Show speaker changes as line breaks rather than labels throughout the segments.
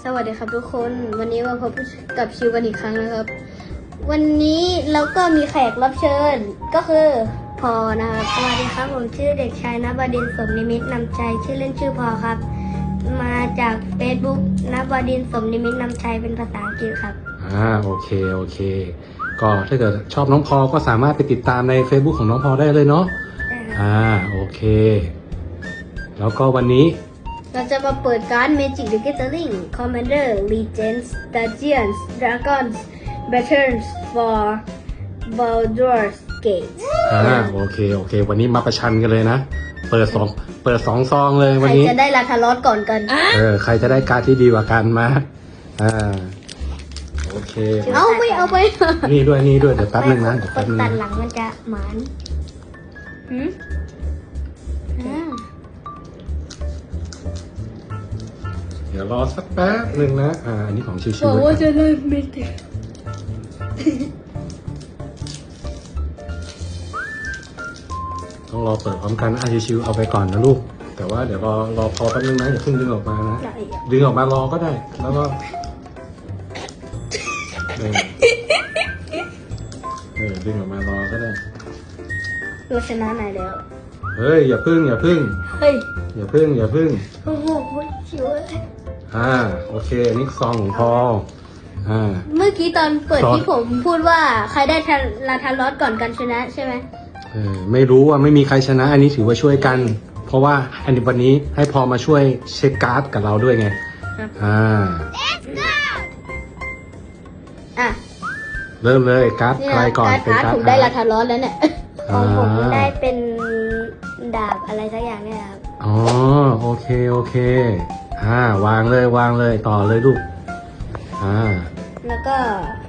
วัสดีครับทุกคนวันนี้มาพบกับชิวกันอีกครั้งนะครับวันนี้เราก็มีแขกรับเชิญก็คือพอนะครับสวัสดีครับผมชื่อเด็กชายณบดินทร์สมนิมิตนำชัยชื่อเล่นชื่อพอครับมาจาก Facebook ณบดินทร์สมนิมิตนำชัยเป็นภาษาอังกฤษครับ
โอเคก็ถ้าเกิดชอบน้องพอก็สามารถไปติดตามใน Facebook ของน้องพอได้เลยเนาะโอเคแล้วก็วันนี้
เราจะมาเปิดการ์ด Magic the Gathering Commander Legends Dungeons Dragons Battles for Baldur's Gate
โอเควันนี้มาประชันกันเลยนะเปิดสองซองเลยวันนี้
ใครจะได้ลาทารอสก่อนกัน
ใครจะได้การ์ดที่ดีกว่ากันมาโอเค
ไม่เอาไป
นี่ด้วยเดี๋ยวแป๊บนึงนะ
คนตัดหลังมันจะหมาน
เดี๋ยวรอสักแป๊บนึงนะอันนี้ของชิวๆ
บอกว่าจะเล่นไม่ติด
ต้องรอเปิดพร้อมกันชิวๆเอาไปก่อนนะลูกแต่ว่าเดี๋ยวรอพอแป๊บนึงนะอย่าเพิ่งดึงออกมานะดึงออกมารอก็ได้แล้วก็ดึงออกมารอก็ได้
เราชนะไหนแล้ว
เฮ้ยอย่าพึ่ง
เฮ้ย
อย่าพึ่ง
โอ้โหชิว
โอเคนี่ซองของพอ
เมื่อกี้ตอนเปิดที่ผมพูดว่าใครได้ลาทารอสก่อนกันชนะใช่ไหม
ไม่รู้ว่าไม่มีใครชนะอันนี้ถือว่าช่วยกันเพราะว่าอันนี้วันนี้ให้พอมาช่วยเช็คการ์ดกับเราด้วยไงเริ่มเลยการ์ดใครก่อน
เป็นการ์ดผมได้ลาทารอสแล้วเนี่ยของผมได้เป็นดาบอะไรสักอย่างเนี่ยครับ
โอเควางเลยต่อเลยลูก
แล้วก็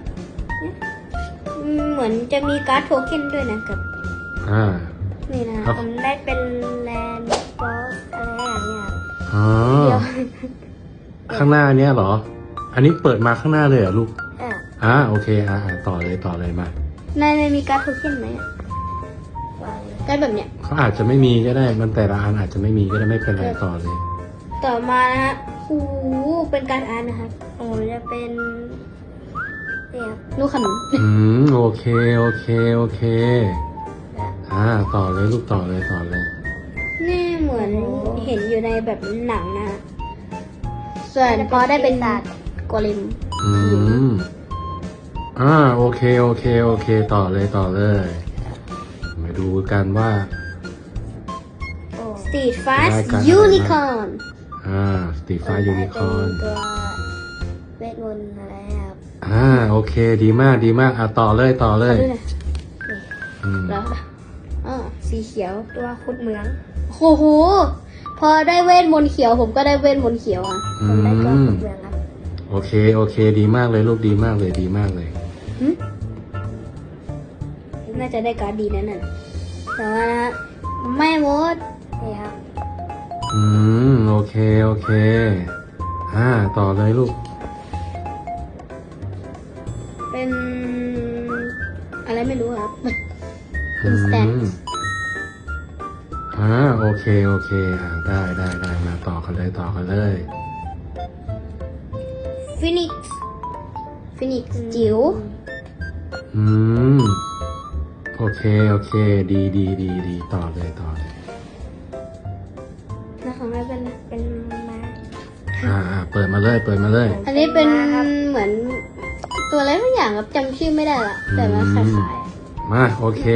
เหมือนจะมีการ์ดโทเค็นด้วยนะครับนี่นะผมได้เป็นแลนด์บอสอะไรอย่างเงี้ยเดี๋ยว
ข้างหน้าเนี้ยเหรออันนี้เปิดมาข้างหน้าเลยเหรอลูกโอเคต่อเลยมา
ในมีการ์ดโทเค็นไหมการ์ดแบบเนี้ย
เขาอาจจะไม่มีก็ได้มันแต่ละอันอาจจะไม่มีก็ได้ไม่เป็นไรต่อเลย
ต่อมานะฮะเป็นการอ่านนะครับจะเป็นลูกขนุน
โอเคต่อเลยลูกต่อเลย
นี่เหมือนเห็นอยู่ในแบบหนังนะส่วนพอได้เป็นกอลิม
โอเคต่อเลยมาดูกันว่า
Street Fast Unicorn
Street Fast Unicorn
ตัวเวทมนต์อะไรครับ
โอเคดีมากต่อเลย
แล้วสีเขียวตัวคุดเหมืองโอ้โหพอได้เวทมนต์เขียวผมก็ได้เวทมนต์เขียวผมได้ตัวคุดเหมืองครับ
โอเคดีมากเลยลูกดีมากเลย
น่าจะได้การ์ดดีนั่นน่ะแต่ว่านะไม่หมดนี่ครับ
โอเคต่อเลยลูก
เป็นอะไรไม่รู้ครับเป็นสแตน
โอเคได้มาต่อกันเลย
ฟินิกซ์จิ๋ว
โอเคดีต่อเลย
แล้วของเราเป็นมา
เปิดมาเลย
อันนี้เป็นเหมือนตัวอะไรทุกอย่างครับจำชื่อไม่ได้ละแต่ว่าคล้าย
ๆมาโอเค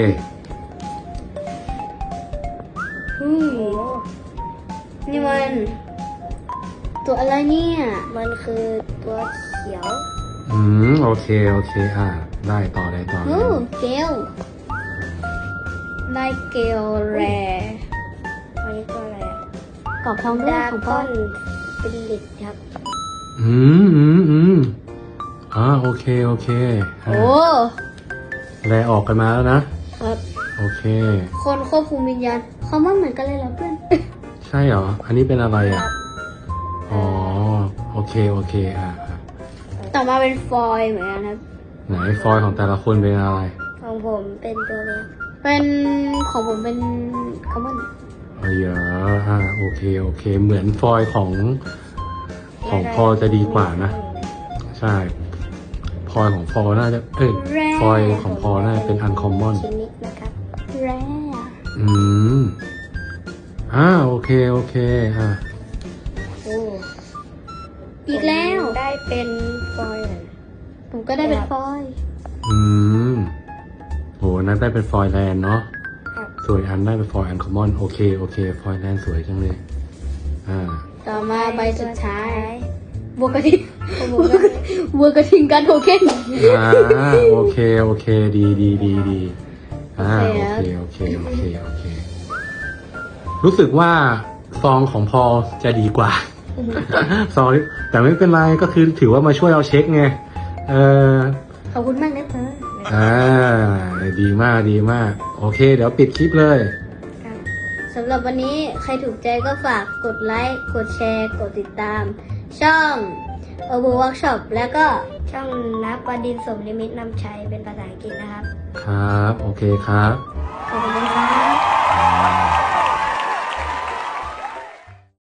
นี่มันตัวอะไรเนี่ยมันคือตัวเขียว
โอเคได้ต่อเลย
เกลได้เกลแรอันนี้ตัวอะไรกรอบทองด้วยของพ่อเป็นลิดครับ
โอเคแลออกกันมาแล้วนะครับโอเค
คนควบคุมวิญญาณเขาไม่เหมือนกันเลยเหรอเพื่อน
ใช่เหรออันนี้เป็นอะไรโอเค
ต่อมาเป็นฟอยเหมือนกันครับ
ไหนฟอยของแต่ละคนเป็นอะไร
ของผมเป็นตัวเล็กเป็นของผมเป็นคอมมอน
โอเคเหมือนฟอยของของพอจะดีกว่านะ ใช่พอยของพอน่าจะพอยของพอน่าจะเป็นอันคอมมอน
ชิ้นนี้นะครับแร่
อืมโอเคโอเค
โอ้อีกแล้ว
ได้เป็นฟอยล์
ผมก็ได้เป็นฟอยล์
อืมโหนั้นได้เป็นฟอยแลนด์เนาะ
ครับ
ส่วนอันได้เป็นฟอยอันคอมมอนโอเคฟอยแลนด์สวยจังเลย
ต่อมาใบสุดท้ายบัวกระทิงบัวกระทิงกันโทเค็น
โอเคดีโอเครู้สึกว่าซองของพอจะดีกว่า ซองนี้แต่ไม่เป็นไรก็คือถือว่ามาช่วยเราเช็คไง
ขอบคุณมากนะเพื่อน
ดีมากโอเคเดี๋ยวปิดคลิปเลย
สำหรับวันนี้ใครถูกใจก็ฝากกดไลค์ กดแชร์ กดติดตาม ช่องWorkshop แล้วก็ช่องนับประดินสมนิมิตนำชัยเป็นภาษาอังกฤษนะครับ
ครับโอเคครับ